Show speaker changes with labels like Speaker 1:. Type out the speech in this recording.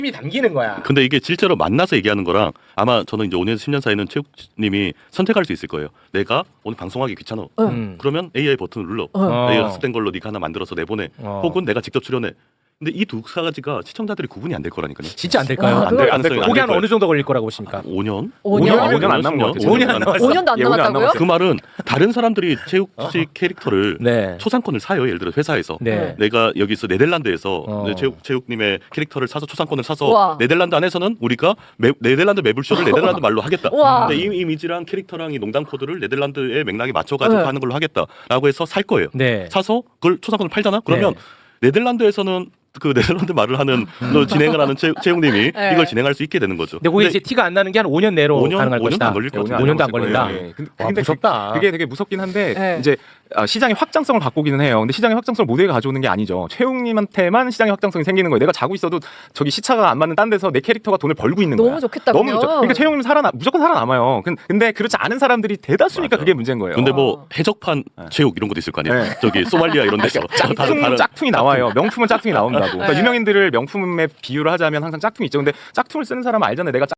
Speaker 1: 이 담기는 거야.
Speaker 2: 근데 이게 실제로 만나서 얘기하는 거랑 아마 저는 이제 5년에서 10년 사이는 체육님이 선택할 수 있을 거예요. 내가 오늘 방송하기 귀찮아. 그러면 AI 버튼을 눌러. AI 학습된 걸로 네가 하나 만들어서 내보내. 혹은 내가 직접 출연해. 근데 이 두 가지가 시청자들이 구분이 안 될 거라니까요.
Speaker 1: 진짜 안 될까요?
Speaker 3: 아,
Speaker 2: 안 될
Speaker 1: 그게
Speaker 2: 가능성이
Speaker 1: 한 어느 정도 걸릴 거라고 보십니까?
Speaker 2: 5년?
Speaker 3: 5년 안 남은 것 같아요.
Speaker 1: 5년 안 남았어.
Speaker 4: 5년도 안
Speaker 3: 예, 5년 안
Speaker 4: 남았다고요?
Speaker 3: 남았어요.
Speaker 2: 그 말은 다른 사람들이 체육식 캐릭터를
Speaker 1: 네.
Speaker 2: 초상권을 사요. 예를 들어 회사에서.
Speaker 1: 네.
Speaker 2: 내가 여기서 네덜란드에서 체육님의 캐릭터를 사서 초상권을 사서
Speaker 4: 우와.
Speaker 2: 네덜란드 안에서는 우리가 네덜란드 매불쇼를 네덜란드 말로 하겠다.
Speaker 4: 우와.
Speaker 2: 근데 이 이미지랑 캐릭터랑 이 농담 코드를 네덜란드의 맥락에 맞춰가지고
Speaker 4: 네.
Speaker 2: 하는 걸로 하겠다라고 해서 살 거예요.
Speaker 1: 네.
Speaker 2: 사서 그걸 초상권을 팔잖아. 그러면 네덜란드에서는 그 네덜란드 말을 하는 진행을 하는 채용님이
Speaker 4: 네.
Speaker 2: 이걸 진행할 수 있게 되는 거죠.
Speaker 1: 근데 그게 이제 티가 안 나는 게 한 5년 내로
Speaker 2: 5년
Speaker 1: 가능할 것이다.
Speaker 2: 안 걸릴 것 같아요.
Speaker 1: 5년도 안 걸린다.
Speaker 3: 예.
Speaker 1: 와,
Speaker 3: 근데
Speaker 1: 무섭다.
Speaker 3: 그게 되게 무섭긴 한데
Speaker 4: 네.
Speaker 3: 이제 시장의 확장성을 바꾸기는 해요. 근데 시장의 확장성을 모두에게 가져오는 게 아니죠. 최웅님한테만 시장의 확장성이 생기는 거예요. 내가 자고 있어도 저기 시차가 안 맞는 딴 데서 내 캐릭터가 돈을 벌고 있는 거야.
Speaker 4: 너무 좋겠다.
Speaker 3: 너무
Speaker 4: 그러면.
Speaker 3: 좋죠. 그러니까 최웅님 무조건 살아남아요. 근데 그렇지 않은 사람들이 대다수니까
Speaker 2: 맞아.
Speaker 3: 그게 문제인 거예요.
Speaker 2: 근데 뭐 해적판 체육 이런 것도 있을 거 아니에요.
Speaker 3: 네.
Speaker 2: 저기 소말리아 이런 데서
Speaker 3: 짝퉁이 나와요. 명품은 짝퉁이 나온다고. 그러니까
Speaker 4: 네.
Speaker 3: 유명인들을 명품에 비유를 하자면 항상 짝퉁이 있죠. 근데 짝퉁을 쓰는 사람은 알잖아요. 내가